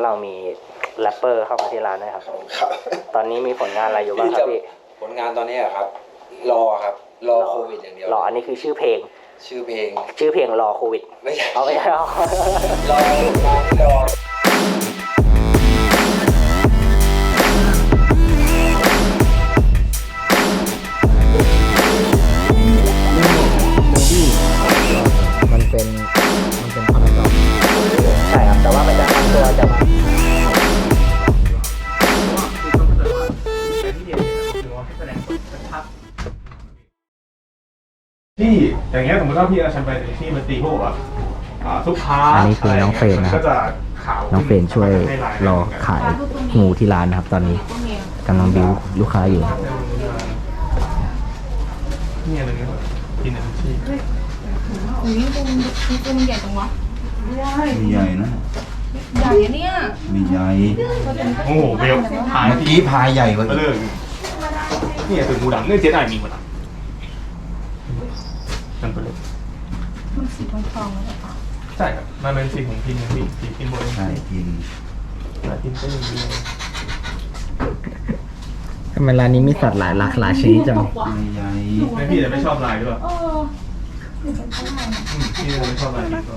านเรามีแรปเปอร์เข้ามาที่ร้านด้วยครับตอนนี้มีผลงานอะไรอยู่บ้างครับพี่ผลงานตอนนี้ครับรอครับรอโควิดอย่างเดียวรออันนี้คือชื่อเพลงรอโควิดไม่ใช่เอาไม่ใช่รอมันเป็นพารากอนใช่ครับแต่ว่ามันจะทำตัวจะที่อย่างเงี้ยสมมติว่าพี่เอาฉันไปที่มันตีพวกแบบทุกค้าอันนี้คือน้องเฟรนนะครับน้องเฟรนช่วยรอขายงูที่ร้านนะครับตอนนี้กำลังบิวลูกค้าอยู่นี่อะไรเงี้ยกินอะไรที่นี่ตัวมันใหญ่จังวะมีใหญ่นะใหญ่เนี่ยมีใหญ่โอ้โหเบลพายเมื่อกี้พายใหญ่กว่าเรื่องนี่ถึงงูดำเนื่องเจ๊ได้มีหมดอ่ะนั่นไปเลยมันสีทองๆแล้วป่ะใช่ครับมันเป็นสีของพินนะพี่สีพินบนใช่กินแต่พินก็ยังมีทำไมร้านนี้มีสัตว์หลายชนิดจังมีใหญ่ไม่พี่แต่ไม่ชอบลายหรือเปล่าพี่ไม่ชอบลายพินก็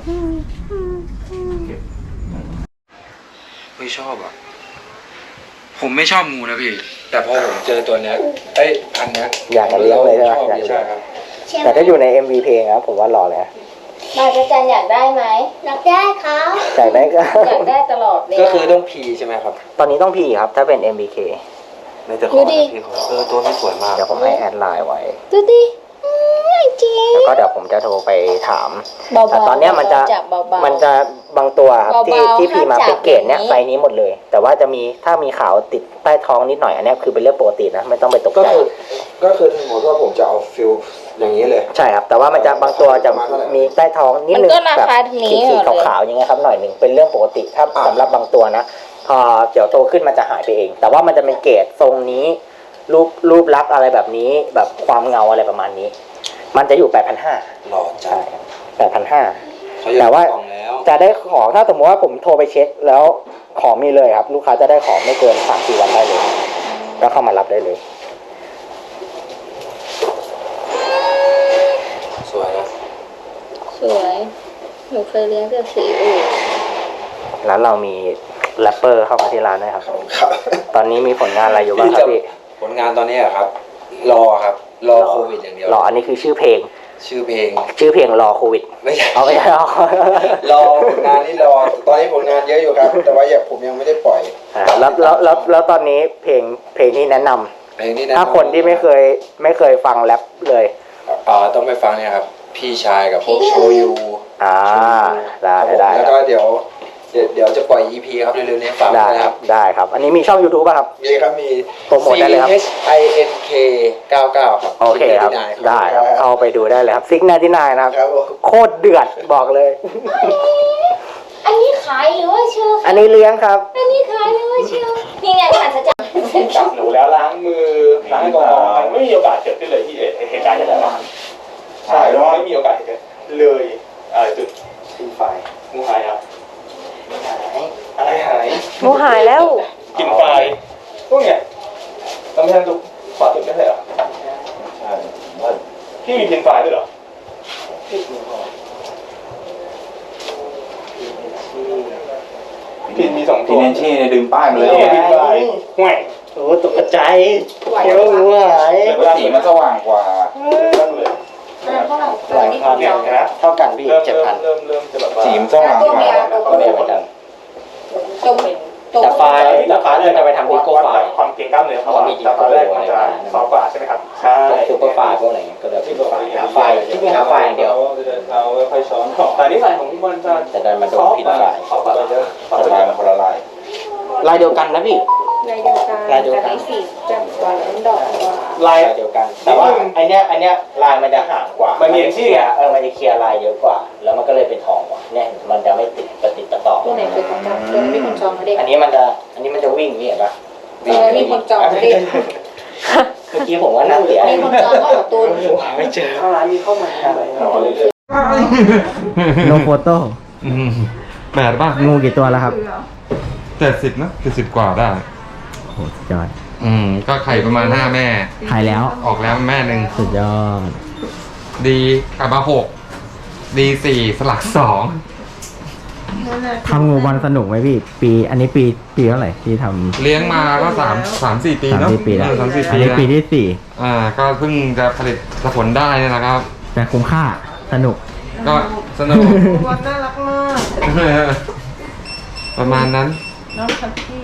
ไม่ชอบอ่ะผมไม่ชอบงูนะพี่แต่พอผมเจอตัวเนี้ยพันเนี้ยอยากจะเลี้ยงเลยใช่ไหมใช่ครับแต่ถ้าอยู่ใน MV เพลงครับผมว่ารอเลยบาจันอยากได้ไหมอยากได้ครับอยากได้ก็อยากได้ตลอดเลยก็คือต้องพีใช่ไหมครับตอนนี้ต้องพีครับถ้าเป็น MBK ไม่จะขอพี่ตัวนี้สวยมากเดี๋ยวผมให้แอดไลน์ไว้ดูดิจริงแล้วก็เดี๋ยวผมจะโทรไปถามแต่ตอนนี้มันจะบางตัวครับที่พีมาเป็นเกรดเนี้ยไซส์นี้หมดเลยแต่ว่าจะมีถ้ามีขาวติดใต้ท้องนิดหน่อยอันนี้คือเป็นเรื่องปกตินะไม่ต้องไปตกใจก็คือสมมติว่าผมจะเอาฟิลอย่างนี้เลยใช่ครับแต่ว่ามันจะบางตัวจะมีใต้ท้องนิดนึงแบบขีดขาวๆอย่างเงี้ยครับหน่อยหนึ่งเป็นเรื่องปกติถ้าสำหรับบางตัวนะพอเดี๋ยวโตขึ้นมันจะหายไปเองแต่ว่ามันจะเป็นเกรดทรงนี้รูปลักษณ์อะไรแบบนี้แบบความเงาอะไรประมาณนี้มันจะอยู่ 8,500 หล่อใช่ 8,500 แต่ว่าจะได้ของถ้าสมมติว่าผมโทรไปเช็คแล้วของมีเลยครับลูกค้าจะได้ของไม่เกิน 3-4 วันได้เลยแล้วเข้ามารับได้เลยสวยนะสวยหนูเคยเลี้ยงแต่สีอื่นร้านเรามีแรปเปอร์เข้ามาที่ร้านด้วยครับตอนนี้มีผลงานอะไรอยู่บ้างครับพี่ผลงานตอนนี้ครับรอโควิดอย่างเดียวรออันนี้คือชื่อเพลงรอโควิดไม่ใช่เอาไม่ใช่รอผลงานนี่รอตอนนี้ผลงานเยอะอยู่ครับแต่ว่าผมยังไม่ได้ปล่อยแล้วตอนนี้เพลงที่แนะนำถ้าคนที่ไม่เคยฟังแรปเลยต้องไปฟังเนี่ยครับพี่ชายกับพวกโชยูได้แล้วก็เดี๋ยวจะปล่อย EP ครับเร็วๆนี้ฟังนะครับได้ครับอันนี้มีช่อง YouTube ป่ะครับมีครับมีโปรโมทได้เลยครับ CHINK99 ครับโอเคครับได้ครับเข้าไปดูได้เลยครับซิก99นะครับโคตรเดือดบอกเลยอันนี้ขายหรือว่าเชื่ออันนี้เลี้ยงครับอันนี้ขายหรือว่าเชื่อนี่ไงผ่านสัจจะจับหนูแล้วล้างมือล้างแอลกอฮอล์ไม่มีโอกาสเกิดขึ้นเลยที่เหตุการณ์จะแบบใช่แล้วไม่มีโอกาสเกิดเลยจุดกินไฟงูหายครับอะไรหายงูหายแล้วกินไฟพวกเนี้ยต้องไปทางจุดขวาจุดไม่ใช่เหรอใช่พี่มีกินไฟด้วยเหรอพินมี2ตัวพินชี่เนี่ยดึงป้ายมาเลยห่วยโอ้ตกใจเดี๋ยวงูหายสีมันสว่างกว่าหลายพันเท่ากันพี่7,000 เริ่มจะแบบสีมันสว่างกว่าก็ได้เหมือนกันแต่ไฟเลยจะไปทำดิโก้ไฟความเก่งกล้ามเนื้อเขามีดิโก้แรกมันจะซอฟกว่าใช่ไหมครับใช่ซุปเปอร์ไฟพวกอะไรเงี้ยก็เลยหาไฟที่ไม่หาไฟอย่างเดียวเราค่อยช้อนแต่นี่ใส่ของมันจะแต่ดันมาโดนผิดไฟจะลายมันคนละลายเดียวกันนะพี่ลายเดียวกันสีจับกว่าแล้วดอกกว่าลายเดียวกันแต่ว่าไอเนี้ยลายมันจะห่างกว่ามันมีที่อ่ะมันจะเคลียร์ลายเยอะกว่าแล้วมันก็เลยเป็นทองกว่าเนี่ยมันจะไม่ติดต่อตัวไหนคือของจับตัวนี้มีคนจองมาเด็กอันนี้มันจะวิ่งนี่เห็นปะมีคนจองมาเด็กเมื่อกี้ผมว่าน่าเสียมีคนจองก็ขอตูนไม่เจอร้านมีเข้ามาโนโฟโต้แบบป่ะงูกี่ตัวแล้วครับ 70นะ70 กว่าได้โอ้โหสุดยอดก็ไข่ประมาณ5 แม่ขายแล้วออกแล้วแม่หนึ่งสุดยอดดีกลับมา6ดี4สลัก2 ทำงูบอลสนุกไหมพี่ อันนี้ปีเท่าไหร่ที่ทำเลี้ยงมาก็3-4 ปีสามเนาะสี่ปีแล้ว 3-4 อันปีนี้แล้วปีที่สี่ก็เพิ่งจะผลิตผลได้นี่แหละครับแต่คุ้มค่าสนุกก็สนุกวันน่ารักมากประมาณนั้นน้องคัตตี้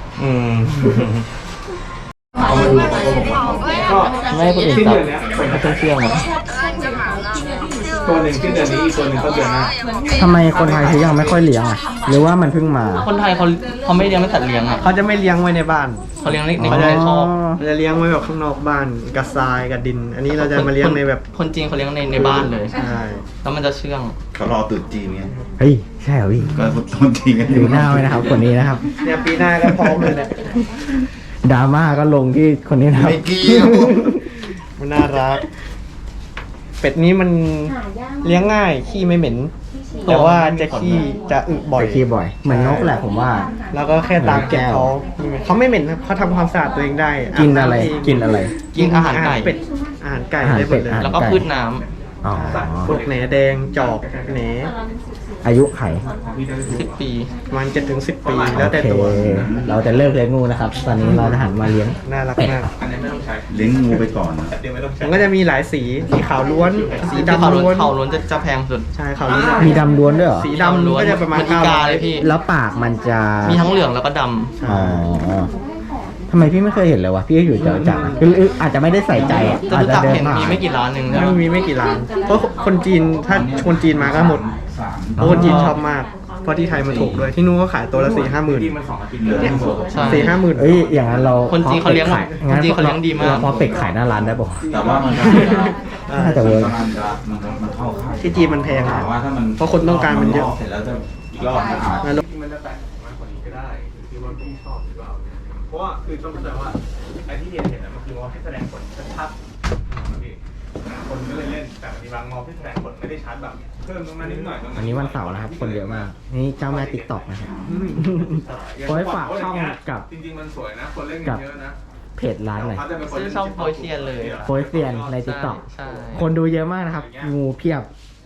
ไม่ให้คนอื่นสิ้นจับเดือนเนี้ยไม่ต้องเชื่องนะตัวหนึ่งสิ้นเดือนนี้อีกตัวหนึ่งต้นเดือนหน้าทำไมคนไทยถึงยังไม่ค่อยเลี้ยงอ่ะ หรือว่ามันเพิ่งมาคนไทยเขาไม่เลี้ยงไม่สัตว์เลี้ยงอ่ะเขาจะไม่เลี้ยงไว้ในบ้านเขาเลี้ยงในอ๋อในคอกเราจะเลี้ยงไว้แบบข้างนอกบ้านกับทรายกับดิน อันนี้เราจะมาเลี้ยงในแบบคนจีนเขาเลี้ยงในบ้านเลยใช่แล้วมันจะเชื่องเขารอตรุษจีนไงเฮ้ย ใช่เหรอพี่ก็ต้นจีนกันดูหน้าไว้นะครับ คนนี้นะครับเนี่ยปีหน้าก็พร้อมเลยเนี่ยดราม่าก็ลงที่คนนี้นะครับไม่เกี่ยวมันน่ารัก เป็ดนี้มันเลี้ยงง่ายขี้ไม่เหม็น แต่ว่าจะขี้จะอึบ่อยไปขี้บ่อย เหมือนนกแหละผมว่าแล้วก็แค่ตามเก็บเขาไม่เหม็นครับเขาทำความสะอาดตัวเองได้กินอะไร กินอะไรกินอาหารไก่เป็ดอาหารไก่อาหารได้หมเป็ดดเลยอาหารแล้วก็พืชน้อ๋อพวกแหนแดงจอกแหนอายุไขำ10 ปีประมันจะถึง10 ปีแล้วแต่ตัวโอเคเราจะเลิกเลี้ยงงูนะครับ ตอนนี้เราจะหันมาเลี้ยงน่ารักเป็ดมากเลี้ยงงูไปก่อนนะมันก็จะมีหลายสีสีขาวล้วน สีที่ดำเขาล้วนเขาล้วนจะแพงสุดใช่ขาวล้วนมีดำล้วนด้วยเหรอสีดำก็จะประมาณเหมือนอีกาเลยพี่แล้วปากมันจะมีทั้งเหลืองแล้วก็ดอ๋อทำไมพี่ไม่เคยเห็นเลยวะ พี่ก็อยู่จตุจักรอะคืออาจจะไม่ได้ใส่ใจอะำจะอาจรู้จะจักเดินเห็นผ่านมีไม่กี่ร้านหนึ่งใช่ไหมมันมีไม่กี่ร้าน เพราะคนจีนถ้าคนจีนมาก็หมดเพราะคนจีนชอบมาก เพราะที่ไทยมันถูกด้วยที่นู้นก็ขายตัวละ4-5 หมื่นใช่ 4-5 หมื่นเอ้ย อย่างนั้นเราคนจีนเขาเลี้ยงขายคนจีนเขาเลี้ยงดีมากพอเป็ดขายหน้าร้านได้ปะแต่ว่ามันก็น่าจะเวิร์กมันเข้าค่ายที่จีนมันแพงถามว่าถ้ามันเพราะคนต้องการมันเยอะเสร็จแล้วจะอีกรอบนึงอาจมันจะแต่งมากกว่านี้ก็ได้อยู่ที่ว่าพี่ชอบหรือเปล่าเพราะว่าคือต้องเข้าใจว่าไอ้ที่เห็นนะมันคือว่าให้แสดงผลชัดๆนะพี่คนก็เลยเล่นแต่บางทีบางมองที่แสดงผลไม่ได้ชัดแบบเพิ่มตรงนั้นนิดหน่อยตรงนั้นอันนี้วันเสาร์นะครับ คนเยอะมาก นี่เจ้าแม่ติ๊กต็อกนะครับ ขอให้ฝากช่องกับจริงๆมันสวยนะคนเล่นกันเยอะนะเพจร้านหน่อยซื้อช่องโปรยเซียนเลยโพสเซียนในติ๊กต็อกใช่คนดูเยอะมากนะครับ งูเพียบ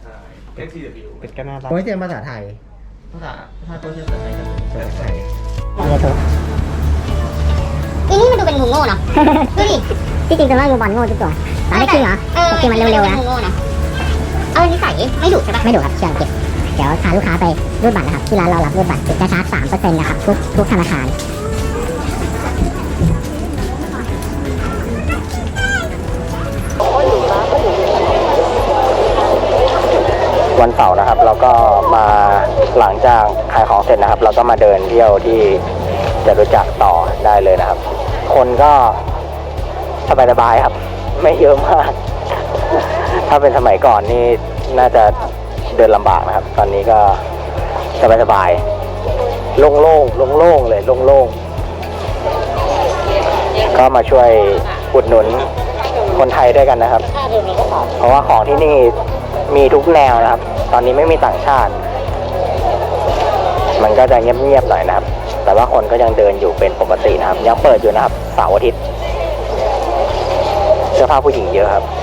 STW เป็ดก็น่ารักโพสเซียนภาษาไทยภาษาโปรยเซียนภาษาไทยกันภาษาไทยอีนี่มันดูเป็นงูโง่เนาะ ดูดิที่จริงจะว่างูบอลโง่ทุกตัวตอนได้จริงเหรอแต่จริงมันเร็วๆนะงูโง่นะนิสัยไม่ดุใช่ปะไม่ดุครับเชื่อเก็บเดี๋ยวพาลูกค้าไปรูดบัตรนะครับที่ร้านเรารับรูดบัตรจะชาร์จ 3% นะครับทุกธนาคารวันเสาร์นะครับ เราก็มาหลังจากขายของเสร็จนะครับ เราก็มาเดินเที่ยวที่จตุจักรต่อได้เลยนะครับ คนก็สบายๆครับ ไม่เยอะมาก ถ้าเป็นสมัยก่อนนี่น่าจะเดินลำบากนะครับ ตอนนี้ก็สบายๆโล่งๆโล่งๆเลยโล่งๆก็มาช่วยอุดหนุนคนไทยด้วยกันนะครับ เพราะว่าของที่นี่มีทุกแนวนะครับ ตอนนี้ไม่มีต่างชาติ มันก็จะเงียบๆหน่อยนะครับ แต่ว่าคนก็ยังเดินอยู่เป็นปกตินะครับ ยังเปิดอยู่นะครับเสาร์อาทิตย์เสื้อผ้าผู้หญิงเยอะครับ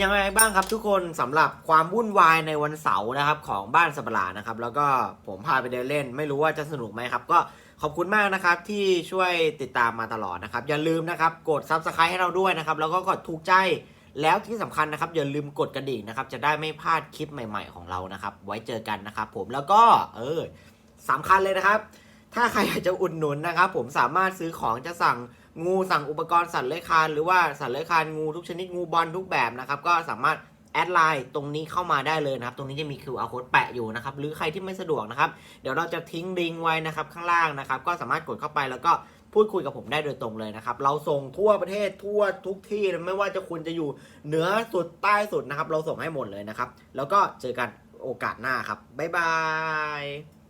ยังไงบ้างครับทุกคนสำหรับความวุ่นวายในวันเสาร์นะครับของบ้านสับหลานะครับแล้วก็ผมพาไปเดินเล่นไม่รู้ว่าจะสนุกไหมครับก็ขอบคุณมากนะครับที่ช่วยติดตามมาตลอดนะครับอย่าลืมนะครับกด Subscribe ให้เราด้วยนะครับแล้วก็กดถูกใจแล้วที่สำคัญนะครับอย่าลืมกดกระดิ่งนะครับจะได้ไม่พลาดคลิปใหม่ๆของเรานะครับไว้เจอกันนะครับผมแล้วก็สำคัญเลยนะครับถ้าใครอยากจะอุดหนุนนะครับผมสามารถซื้อของจะสั่งงูสั่งอุปกรณ์สัตว์เลื้อยคลานหรือว่าสัตว์เลื้อยคลานงูทุกชนิดงูบอลทุกแบบนะครับก็สามารถแอดไลน์ตรงนี้เข้ามาได้เลยนะครับตรงนี้จะมี QR code แปะอยู่นะครับหรือใครที่ไม่สะดวกนะครับเดี๋ยวเราจะทิ้งลิงก์ไว้นะครับข้างล่างนะครับก็สามารถกดเข้าไปแล้วก็พูดคุยกับผมได้โดยตรงเลยนะครับเราส่งทั่วประเทศทั่วทุกที่ไม่ว่าจะคุณจะอยู่เหนือสุดใต้สุดนะครับเราส่งให้หมดเลยนะครับแล้วก็เจอกันโอกาสหน้าครับบ๊ายบาย